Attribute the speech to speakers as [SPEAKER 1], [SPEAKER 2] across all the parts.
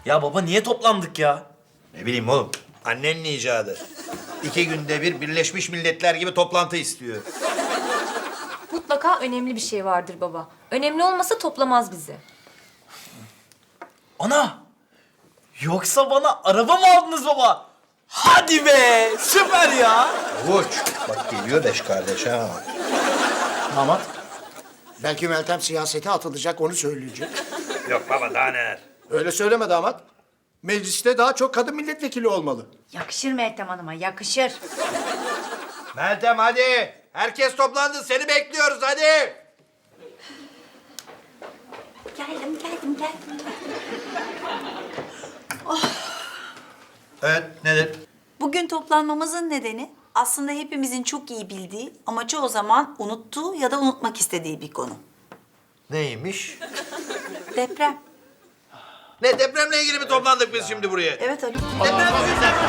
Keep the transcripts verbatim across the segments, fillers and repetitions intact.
[SPEAKER 1] Ya baba niye toplandık ya?
[SPEAKER 2] Ne bileyim oğlum. Annenin icadı. İki günde bir Birleşmiş Milletler gibi toplantı istiyor.
[SPEAKER 3] Mutlaka önemli bir şey vardır baba. Önemli olmasa toplamaz bizi.
[SPEAKER 1] Ana! Yoksa bana araba mı aldınız baba? Hadi be! Süper ya!
[SPEAKER 2] Avuç. Bak geliyor beş kardeş ha.
[SPEAKER 1] Damat.
[SPEAKER 4] Belki Meltem siyasete atılacak, onu söyleyecek.
[SPEAKER 2] Yok baba daha neler.
[SPEAKER 4] Öyle söyleme damat. Mecliste daha çok kadın milletvekili olmalı.
[SPEAKER 5] Yakışır Meltem Hanım'a, yakışır.
[SPEAKER 2] Meltem hadi. Herkes toplandı. Seni bekliyoruz hadi.
[SPEAKER 5] Geldim, geldim, geldim.
[SPEAKER 2] Evet nedir?
[SPEAKER 6] Bugün toplanmamızın nedeni aslında hepimizin çok iyi bildiği ama çoğu zaman unuttuğu ya da unutmak istediği bir konu.
[SPEAKER 2] Neymiş?
[SPEAKER 6] Deprem.
[SPEAKER 2] Ne depremle ilgili mi toplandık biz şimdi buraya?
[SPEAKER 6] Evet Haluk.
[SPEAKER 2] Deprem yüzünden mi?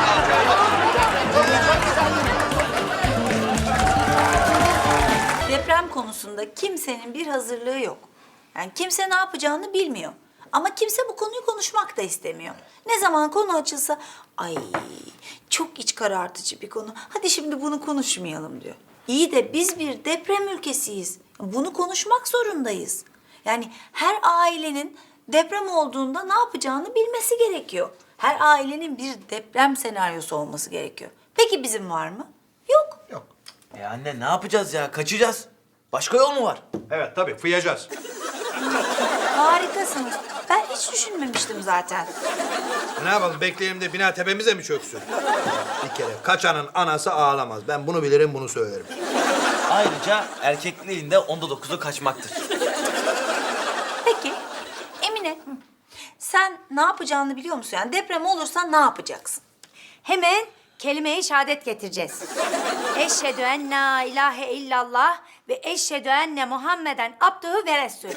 [SPEAKER 6] Deprem konusunda kimsenin bir hazırlığı yok. Yani kimse ne yapacağını bilmiyor. Ama kimse bu konuyu konuşmak da istemiyor. Ne zaman konu açılsa, ay çok iç karartıcı bir konu. Hadi şimdi bunu konuşmayalım diyor. İyi de biz bir deprem ülkesiyiz. Bunu konuşmak zorundayız. Yani her ailenin deprem olduğunda ne yapacağını bilmesi gerekiyor. Her ailenin bir deprem senaryosu olması gerekiyor. Peki bizim var mı? Yok.
[SPEAKER 2] Yok.
[SPEAKER 1] E anne ne yapacağız ya? Kaçacağız. Başka yol mu var?
[SPEAKER 2] Evet tabii fıyacağız.
[SPEAKER 6] Harikasınız. Ben hiç düşünmemiştim zaten.
[SPEAKER 2] E, ne yapalım bekleyelim de bina tepemize mi çöksün? Bir kere kaçanın anası ağlamaz. Ben bunu bilirim bunu söylerim.
[SPEAKER 1] Ayrıca erkekliğin de onda dokuzu kaçmaktır.
[SPEAKER 6] Peki Emine, sen ne yapacağını biliyor musun? Yani deprem olursa ne yapacaksın?
[SPEAKER 5] Hemen kelime-i şehadet getireceğiz. Eşhedü en la ilahe illallah ve eşhedü enne Muhammeden abduhu ve resulü.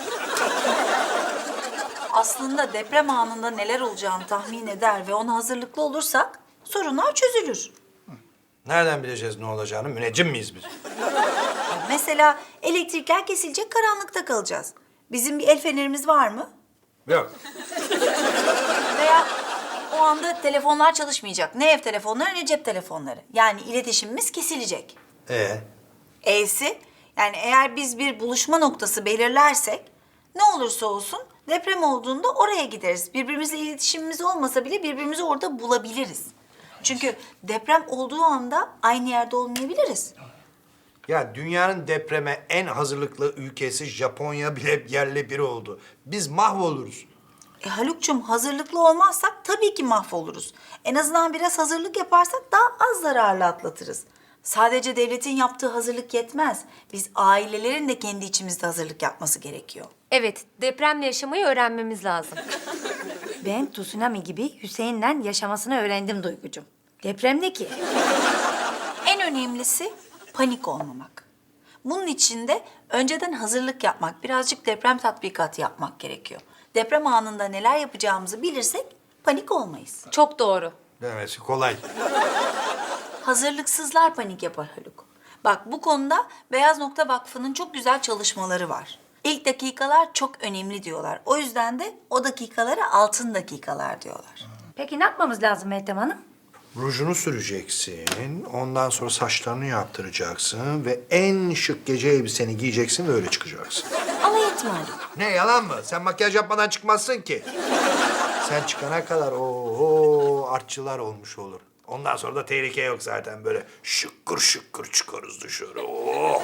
[SPEAKER 6] Aslında deprem anında neler olacağını tahmin eder ve ona hazırlıklı olursak sorunlar çözülür.
[SPEAKER 2] Nereden bileceğiz ne olacağını? Müneccim miyiz biz?
[SPEAKER 6] Mesela elektrikler kesilecek, karanlıkta kalacağız. Bizim bir el fenerimiz var mı?
[SPEAKER 2] Yok.
[SPEAKER 6] Veya o anda telefonlar çalışmayacak. Ne ev telefonları ne cep telefonları. Yani iletişimimiz kesilecek.
[SPEAKER 2] Ee,
[SPEAKER 6] E'si, yani eğer biz bir buluşma noktası belirlersek ne olursa olsun deprem olduğunda oraya gideriz. Birbirimizle iletişimimiz olmasa bile birbirimizi orada bulabiliriz. Çünkü deprem olduğu anda aynı yerde olmayabiliriz.
[SPEAKER 2] ya dünyanın depreme en hazırlıklı ülkesi Japonya bile yerle bir oldu. Biz mahvoluruz.
[SPEAKER 6] E Haluk'cum, hazırlıklı olmazsak tabii ki mahvoluruz. En azından biraz hazırlık yaparsak daha az zararlı atlatırız. Sadece devletin yaptığı hazırlık yetmez. Biz ailelerin de kendi içimizde hazırlık yapması gerekiyor.
[SPEAKER 3] Evet, depremle yaşamayı öğrenmemiz lazım.
[SPEAKER 5] Ben tsunami gibi Hüseyin'le yaşamasını öğrendim Duygucuğum. Deprem ne ki?
[SPEAKER 6] En önemlisi panik olmamak. Bunun için de önceden hazırlık yapmak, birazcık deprem tatbikatı yapmak gerekiyor. Deprem anında neler yapacağımızı bilirsek panik olmayız.
[SPEAKER 3] Çok doğru.
[SPEAKER 2] Demesi kolay.
[SPEAKER 6] Hazırlıksızlar panik yapar Haluk. Bak bu konuda Beyaz Nokta Vakfı'nın çok güzel çalışmaları var. İlk dakikalar çok önemli diyorlar. O yüzden de o dakikalara altın dakikalar diyorlar.
[SPEAKER 5] Peki ne yapmamız lazım Meltem Hanım?
[SPEAKER 2] Rujunu süreceksin, ondan sonra saçlarını yaptıracaksın ve en şık gece elbiseni giyeceksin ve öyle çıkacaksın.
[SPEAKER 6] Alay etme Haluk.
[SPEAKER 2] Ne yalan mı? Sen makyaj yapmadan çıkmazsın ki. Sen çıkana kadar o artçılar olmuş olur. Ondan sonra da tehlike yok zaten böyle şıkkır şıkkır çıkarız dışarı. Oo.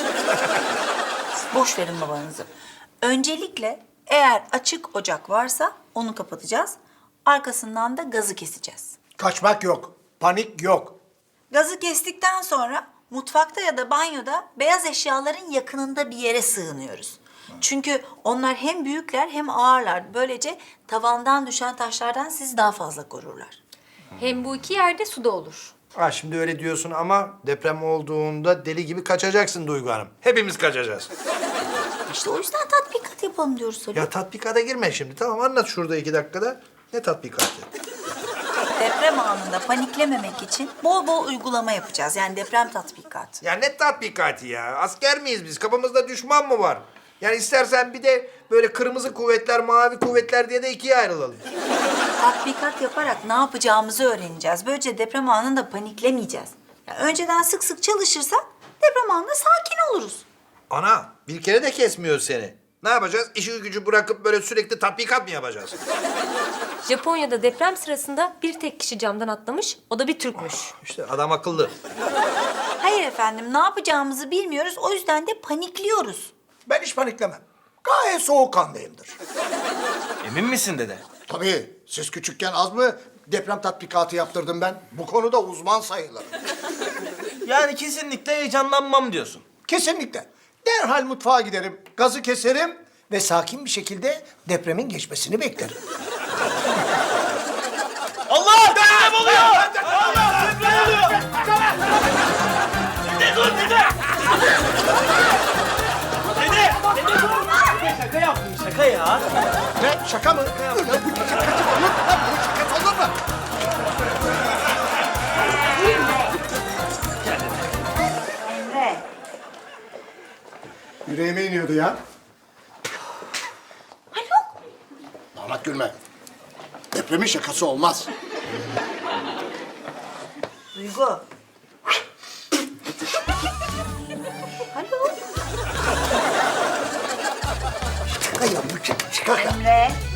[SPEAKER 6] Boş verin babanızı. Öncelikle eğer açık ocak varsa onu kapatacağız. Arkasından da gazı keseceğiz.
[SPEAKER 4] Kaçmak yok, panik yok.
[SPEAKER 6] Gazı kestikten sonra mutfakta ya da banyoda beyaz eşyaların yakınında bir yere sığınıyoruz. Çünkü onlar hem büyükler hem ağırlar. Böylece tavandan düşen taşlardan sizi daha fazla korurlar.
[SPEAKER 3] Hem bu iki yerde su da olur.
[SPEAKER 2] Ha şimdi öyle diyorsun ama deprem olduğunda deli gibi kaçacaksın Duygu Hanım. Hepimiz kaçacağız.
[SPEAKER 6] İşte o yüzden tatbikat yapalım diyoruz Haluk.
[SPEAKER 2] Ya tatbikata girme şimdi. Tamam anlat şurada iki dakikada. Ne tatbikatı?
[SPEAKER 6] Deprem anında paniklememek için bol bol uygulama yapacağız. Yani deprem tatbikatı.
[SPEAKER 2] Ya ne tatbikatı ya? Asker miyiz biz? Kafamızda düşman mı var? Yani istersen bir de böyle kırmızı kuvvetler, mavi kuvvetler diye de ikiye ayrılalım.
[SPEAKER 6] Tatbikat yaparak ne yapacağımızı öğreneceğiz. Böylece deprem anında paniklemeyeceğiz. Yani önceden sık sık çalışırsak deprem anında sakin oluruz.
[SPEAKER 2] Ana, bir kere de kesmiyor seni. Ne yapacağız? İşi gücü bırakıp böyle sürekli tatbikat mı yapacağız?
[SPEAKER 3] Japonya'da deprem sırasında bir tek kişi camdan atlamış. O da bir Türkmüş.
[SPEAKER 2] İşte adam akıllı.
[SPEAKER 6] Hayır efendim, ne yapacağımızı bilmiyoruz. O yüzden de panikliyoruz.
[SPEAKER 4] Ben hiç paniklemem. Gayet soğukkanlıyımdır.
[SPEAKER 1] Emin misin dede?
[SPEAKER 4] Tabii siz küçükken az mı deprem tatbikatı yaptırdım ben? Bu konuda uzman sayılırım.
[SPEAKER 1] Yani kesinlikle heyecanlanmam diyorsun.
[SPEAKER 4] Kesinlikle. Derhal mutfağa giderim, gazı keserim ve sakin bir şekilde depremin geçmesini beklerim.
[SPEAKER 1] Allah! Deprem oluyor! Allah! Deprem oluyor! Dede dur dede! Dede! Dede dur! Şaka yaptım şaka ya.
[SPEAKER 4] Ne? Şaka mı? Ulan bu şakası olur mu? Lan bu şakası olur mu?
[SPEAKER 5] Emre.
[SPEAKER 4] Yüreğime iniyordu ya.
[SPEAKER 6] Haluk!
[SPEAKER 4] Damat gülme. Depremin şakası olmaz.
[SPEAKER 6] Duygu. Haluk!
[SPEAKER 4] Şaka ya bu şaka. Şaka.
[SPEAKER 5] Emre.